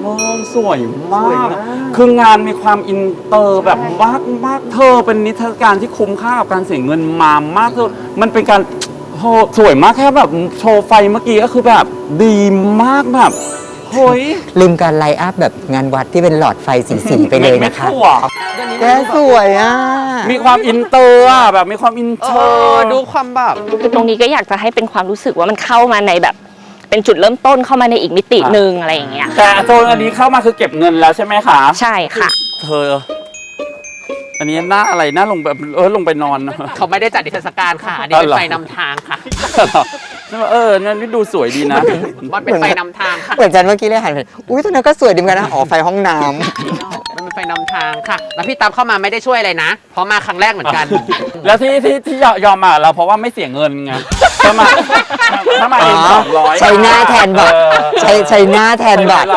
สวยมากคืองานมีความอินเตอร์แบบมากเธอเป็นนิทรรศการที่คุ้มค่ากับการเสียเงินมามากเธอมันเป็นการสวยมากแค่แบบโชว์ไฟเมื่อกี้ก็คือแบบดีมากแบบเฮ้ยลืมการไลท์อัพแบบงานวัดที่เป็นหลอดไฟสีไปเลยนะคะแกสวยอ่ะมีความอินเตอร์อะแบบมีความอินเตอร์ดูความแบบคือตรงนี้ก็อยากจะให้เป็นความรู้สึกว่ามันเข้ามาในแบบเป็นจุดเริ่มต้นเข้ามาในอีกมิติหนึ่งอะไรอย่างเงี้ยแต่โซนอันนี้เข้ามาคือเก็บเงินแล้วใช่ไหมคะใช่ค่ะเธออันนี้หน้าอะไรหน้าลงแบบลงไปนอนเขาไม่ได้จัดนิทรรศการค่ะอันนี้เป็นไฟนำทางค่ะนั่นนี่ดูสวยดีนะมันเป็นไฟนำทางค่ะเหมือนจันเมื่อกี้เลยหันไปอุ้ยตรงนั้นก็สวยดีเหมือนกันนะอ๋อไฟห้องน้ำมันเป็นไฟนำทางค่ะแล้วพี่ตามเข้ามาไม่ได้ช่วยอะไรนะเพราะมาครั้งแรกเหมือนกันแล้วที่ยอมมาเราเพราะว่าไม่เสียเงินไงถ้ามาเอง200 ใช้หน้าแทนบัตรใช้หน้าแทนบัตร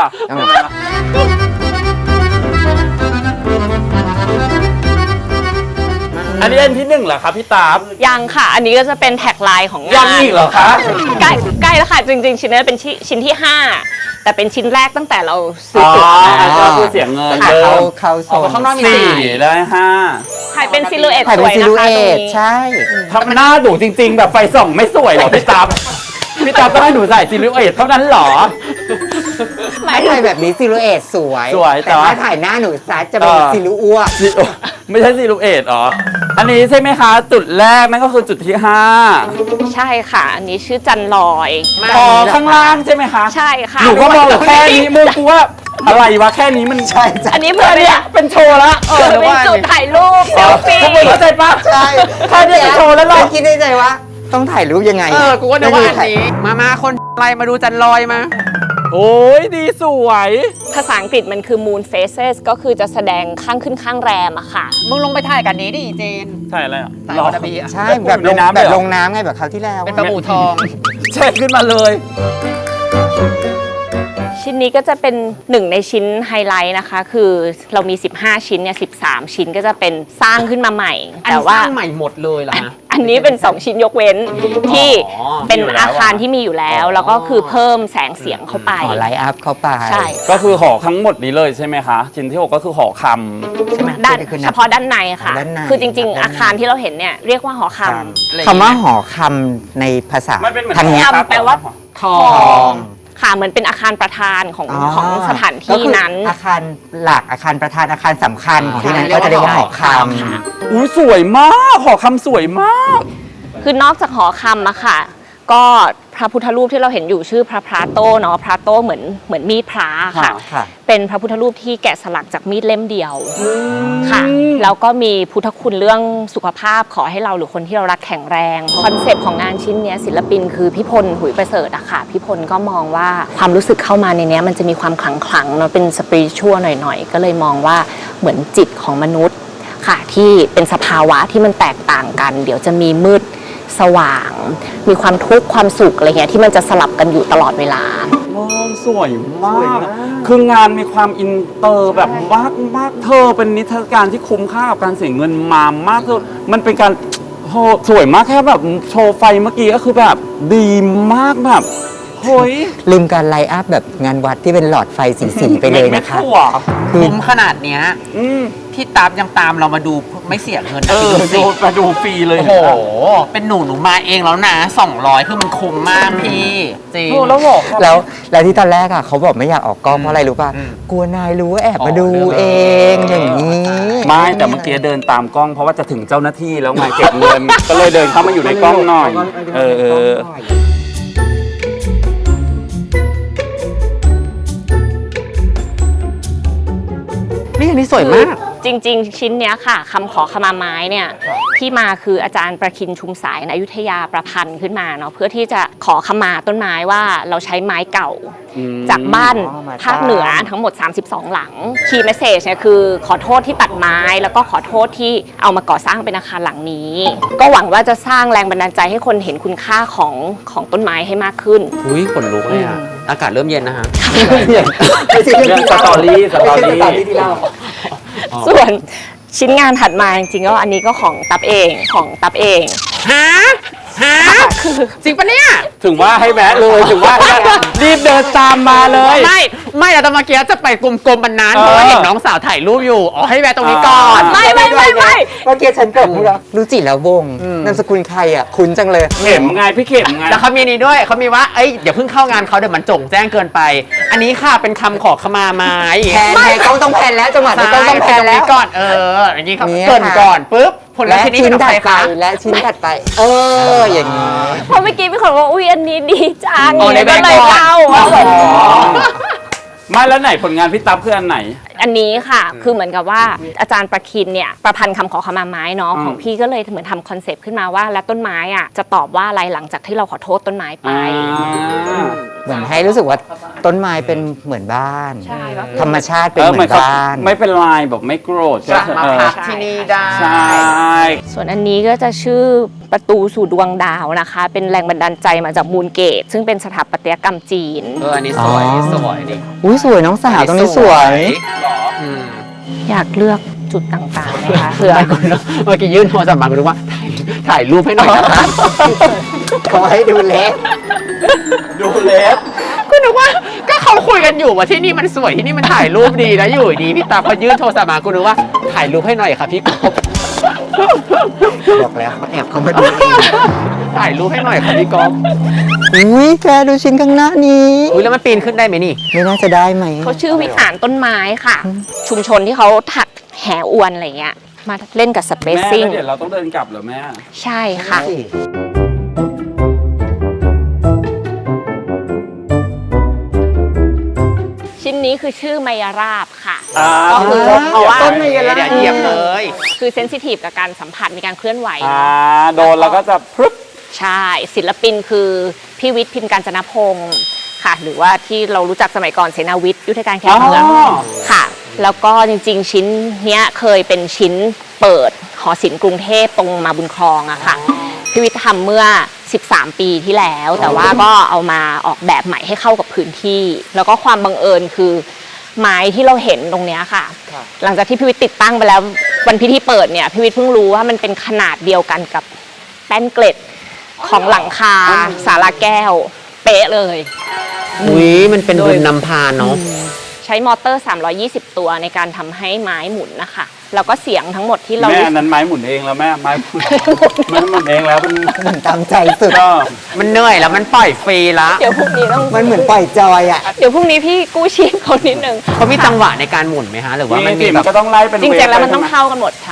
อันนี้อันที่1เหรอครับพี่ตาบยังค่ะอันนี้ก็จะเป็นแท็กไลน์ของงานยังอีกเหรอคะใกล้แล้วค่ะจริงๆชิ้นนี้เป็นชิ้นที่5แต่เป็นชิ้นแรกตั้งแต่เราซื้อตั๋วก็คือเสียเงินเขาโซนข้างนอกมี 4ได้5 ถ่ายเป็นซิลูเอตสวยนะคะตรงนี้ใช่ทำหน้าดุจริงๆแบบไฟส่องไม่สวยหรอพี่ตาบต้องให้หนูใส่ซิลูเอตเท่านั้นหรอไม่ถ่ายแบบนี้ซิลูเอตสวยแต่ว่าถ่ายหน้าหนูซัดจะเป็นซิลูอ้วไม่ใช่ซิลูเอตอ๋ออันนี้ใช่ไหมคะจุดแรกนั่นก็คือจุดที่5 ใช่ค่ะอันนี้ชื่อจันลอยข้างล่างใช่ไหมคะใช่ค่ะหนูก็มองแค่นี้มึงกูว่าอะไรวะแค่นี้มันใช่อันนี้เหมือนเนี่ยเป็นโชว์ละเป็นจุดถ่ายรูปเซลฟี่เข้าใจปะใช่แค่นี้โชว์แล้วเราคิดในใจว่าต้องถ่ายรูปยังไงกูก็นึกว่าอันนี้มาคนอะไรมาดูจันลอยมาโอ้ยดีสวยภาษาอังกฤษมันคือ moon phases ก็คือจะแสดงข้างขึ้นข้างแรมอะค่ะมึงลงไปถ่ายกันนี้ดิเจนถ่ายอะไรอ่ะถ่ายวัตบีใช่แบบลงน้ำไงแบบคราวที่แล้วเป็นปลาบูทองเช็คขึ้นมาเลยชิ้นนี้ก็จะเป็น1ในชิ้นไฮไลท์นะคะคือเรามี15ชิ้นเนี่ย13ชิ้นก็จะเป็นสร้างขึ้นมาใหม่แต่ว่าสร้างใหม่หมดเลยเหรอฮะอันนี้เป็น2ชิ้นยกเว้นที่เป็นอาคารที่มีอยู่แล้วก็คือเพิ่มแสงเสียงเข้าไปไลท์อัพเข้าไปใช่ก็คือห่อทั้งหมดนี้เลยใช่ไหมคะชิ้นที่6ก็คือห่อคำใช่ไหมด้านเฉพาะด้านในค่ะคือจริงๆอาคารที่เราเห็นเนี่ยเรียกว่าหอคำคำว่าหอคำในภาษาทางนี้แปลว่าทองค่ะเหมือนเป็นอาคารประธานของสถานที่นั้นอาคารหลักอาคารประธานอาคารสำคัญของที่นั้นก็จะเรียกว่าหอคำอุ้ยสวยมากหอคำสวยมากคือนอกจากหอคำอะค่ะก็พระพุทธรูปที่เราเห็นอยู่ชื่อพระพราโตเนาะพราโตเหมือนมีดพระค่ะเป็นพระพุทธรูปที่แกะสลักจากมีดเล่มเดียวค่ะแล้วก็มีพุทธคุณเรื่องสุขภาพขอให้เราหรือคนที่เรารักแข็งแรงคอนเซปต์ของงานชิ้นนี้ศิลปินคือพี่พลหุยประเสริฐอะค่ะพี่พลก็มองว่าความรู้สึกเข้ามาในนี้มันจะมีความขลังเนาะเป็นสปิริตชัวหน่อยๆก็เลยมองว่าเหมือนจิตของมนุษย์ค่ะที่เป็นสภาวะที่มันแตกต่างกันเดี๋ยวจะมีมืดสว่างมีความทุกข์ความสุขอะไรเงี้ยที่มันจะสลับกันอยู่ตลอดเวลาสวยมากคืองานมีความอินเตอร์แบบมากเธอเป็นนิทรรศการที่คุ้มค่ากับการเสียเงินมามากเธอมันเป็นการสวยมากแค่แบบโชว์ไฟเมื่อกี้ก็คือแบบดีมากแบบเฮ้ยลืมการไลท์อัพแบบงานวัดที่เป็นหลอดไฟสีไปเลยนะคะคุ้มขนาดเนี้ยพี่ตามยังตามเรามาดูไม่เสียเงินมาดูฟรีเลยโอ้โหเป็นหนูมาเองแล้วนะ200คือมันคุ้มมากพี่จริงแล้วที่ตอนแรกอ่ะเขาบอกไม่อยากออกกล้องเพราะอะไรรู้ป่ะกลัวนายรู้ว่าแอบมาดูเองอย่างนี้ไม่แต่เมื่อกี้เดินตามกล้องเพราะว่าจะถึงเจ้าหน้าที่แล้วไงเก็บเงินก็เลยเดินเข้ามาอยู่ในกล้องหน่อยนี่สวยมากจริงๆชิ้นเนี้ยค่ะคำขอขมาไม้เนี่ยที่มาคืออาจารย์ประคินชุมสายในอยุธยาประพันธ์ขึ้นมาเนาะเพื่อที่จะขอขมาต้นไม้ว่าเราใช้ไม้เก่าจากบ้านภาคเหนือทั้งหมด32หลังคีย์เมสเซจเนี่ยคือขอโทษที่ตัดไม้แล้วก็ขอโทษที่เอามาก่อสร้างเป็นอาคารหลังนี้ก็หวังว่าจะสร้างแรงบันดาลใจให้คนเห็นคุณค่าของต้นไม้ให้มากขึ้นอุ้ยขนลุกเลยอ่ะอากาศเริ่มเย็นนะฮะไม่ใช่เรื่องสตอรี่ที่เราส่วนชิ้นงานถัดมาจริงๆก็อันนี้ก็ของตับเองฮะฮะจริงปะเนี่ยถึงว่าให้แวะเลยถึงว่ารีบเดินตามมาเลยไม่แต่ตอนเมื่อกี้จะไปกลมๆมันนานเพราะว่าเห็นน้องสาวถ่ายรูปอยู่อ๋อให้แวะตรงนี้ก่อนไม่เมื่อกี้ฉันเกิดพูดแล้วรู้จิแล้ววงนามสกุลใครอ่ะคุ้นจังเลยเข็มไงพี่เข็มไงแล้วเขามีนี้ด้วยเขามีว่าเอ้ยอย่าเพิ่งเข้างานเขาเดี๋ยวมันจงแจ้งเกินไป อันนี้ค่ะเป็นคำขอขมาไม้แพนกล้องต้องแพนแล้วจังหวะนี้กล้องต้องแพนแล้วก่อนอย่างนี้ครับเนี่ยเกินค่ะก่อนปุ๊บผลลัพและธ์ที่นี้ชิ้เป็น นของถัใครดไปคะและชิ้นถัดไป อย่างนี้เพราะเมื่อกี้มีคนบอกว่าอุ้ยอันนี้ดีจังอ๋อในก็เลยแบงค์ก่อนเล่าว่าแบบไม่แล้วไหนผลงานพี่ตั๊บคืออันไหนอันนี้ค่ะ คือเหมือนกับว่าอาจารย์ประคินเนี่ยประพันธ์คำขอขมาไม้เนาะอืมของพี่ก็เลยเหมือนทำคอนเซปต์ขึ้นมาว่าแล้วต้นไม้อ่ะจะตอบว่าอะไรหลังจากที่เราขอโทษต้นไม้ไปเหมือนให้รู้สึกว่าต้นไม้เป็นเหมือนบ้านใช่ก็คือธรรมชาติเป็นเออเหเหมืมืออน นเขาบ้านไม่เป็นลายแบบไม่โกรธจะมาเออพักที่นี่ได้ใช่ส่วนอันนี้ก็จะชื่อประตูสู่ดวงดาวนะคะ เป็นแรงบันดาลใจมาจากมูลเกต ซึ่งเป็นสถาปัตยกรรมจีนอันนี้สวยอ๋อสวยดิอุ้ยสวยน้องสาวตรงนี้สวยอืมอยากเลือกจุดต่างๆนะคะเผื่อไม่คุณเมื่อกี้ยื่นโทรศัพท์มาคุณรู้ว่าถ่ายรูปให้หน่อยนะคะขอให้ดูเล็กดูเล็บคุณนึกว่าก็เขาคุยกันอยู่ว่าที่นี่มันสวยที่นี่มันถ่ายรูปดีนะอยู่ดีพี่ตาพอยื่นโทรศัพท์มาคุณนึกว่าถ่ายรูปให้หน่อยค่ะพี่กบบอกแล้วเขาแอบเขามาดูเองถ่ายรูปให้หน่อยค่ะพี่กบอุ้ยแกดูชิ้นข้างหน้านี้อุ้ยแล้วมันปีนขึ้นได้ไหมนี่ไม่น่าจะได้ไหมเขาชื่อวิหารต้นไม้ค่ะ ชุมชนที่เขาถักแหอวนอะไรเงี้ยมาเล่นกับสเปแม่ซซิ่งแล้วเดี๋ยวเราต้องเดินกลับเหรอแม่ใช่ค่ะ ชิ้นนี้คือชื่อไมยราบค่ะ ก็คือเพราะว่าต้นไมยราบเดี๋ยวเหยียบเลยคือเซนซิทีฟกับการสัมผัสมีการเคลื่อนไหวโดนแล้วก็จะพรึบใช่ศิลปินคือพี่วิทย์พิมพ์การจนพงศ์ค่ะ หรือว่าที่เรารู้จักสมัยก่อนเสนาวิทย์ยุทธการแข่งเมืองอ๋อค่ะ แล้วก็จริงๆ ชิ้นเนี้ยเคยเป็นชิ้นเปิดหอศิลป์กรุงเทพตรงมาบุญครองอะค่ะพี่วิทย์ทำเมื่อ 13 ปีที่แล้ว แต่ว่าก็เอามาออกแบบใหม่ให้เข้ากับพื้นที่ แล้วก็ความบังเอิญคือไม้ที่เราเห็นตรงเนี้ยค่ะ หลังจากที่พี่วิทย์ติดตั้งไปแล้ววันพิธีเปิดเนี่ยพี่วิทย์เพิ่งรู้ว่ามันเป็นขนาดเดียวกันกับแป้นเกล็ดของหลังคาศาลาแก้วเป๊ะเลยอุ้ยมันเป็นบุญนำพาเนาะใช้มอเตอร์ 320 ตัวในการทำให้ไม้หมุนนะคะ แล้วก็เสียงทั้งหมดที่เราแม่อันนั้นไม้หมุนเองแล้วแม่ไม้หมุนไม้หมุนเองแล้วมันเหมือนตามใจสุดก็มันเหนื่อยแล้วมันปล่อยฟรีละเดี๋ยวพรุ่งนี้ต้องมันเหมือนปล่อยจอยอ่ะเดี๋ยวพรุ่งนี้พี่กู้ชีพเขานิดนึงเขามีจังหวะในการหมุนไหมฮะหรือว่ามีมันสิมีแบมันบก็ต้องไล่เป็นจริงๆแล้วมันต้องเวฟไปเท่ากันหมดใช่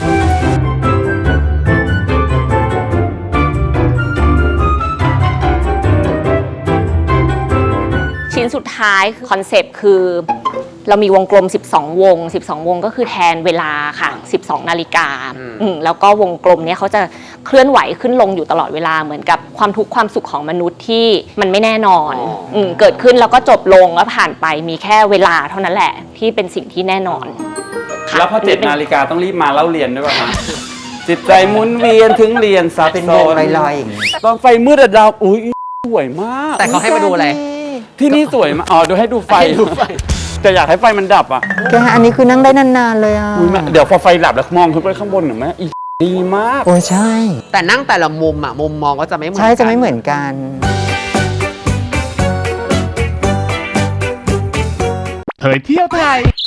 ชิ้นสุดท้ายคอนเซปต์คือเรามีวงกลม 12 วง 12 วงก็คือแทนเวลาค่ะ 12 นาฬิกาแล้วก็วงกลมเนี้ยเขาจะเคลื่อนไหวขึ้นลงอยู่ตลอดเวลาเหมือนกับความทุกข์ความสุขของมนุษย์ที่มันไม่แน่นอนเกิดขึ้นแล้วก็จบลงแล้วผ่านไปมีแค่เวลาเท่านั้นแหละที่เป็นสิ่งที่แน่นอนค่ะแล้วพอ7 นาฬิกาต้องรีบมาเล่าเรียนด้วยป่ะฮะจิตใจหมุนเวียนถึงเรียนซับเป็นซ้วอง นลอยๆอย่างนี้ตอนไฟมืดอะดาวอุ้ยสวยมากแต่เขาให้มาดูอะไรที่นี่สวยมากอ๋อดูให้ดูไฟแต่อยากให้ไฟมันดับอ่ะแกอันนี้คือนั่งได้นานๆเลยอ่ะอุ๊ยแม่เดี๋ยวพอไฟดับแล้วมองขึ้นไปข้างบนหน่อยแม่อีดีมากโอ้ใช่แต่นั่งแต่ละมุมอ่ะมุมมองก็จะไม่เหมือนใช่กันจะไม่เหมือนกันเผยเที่ยวไทย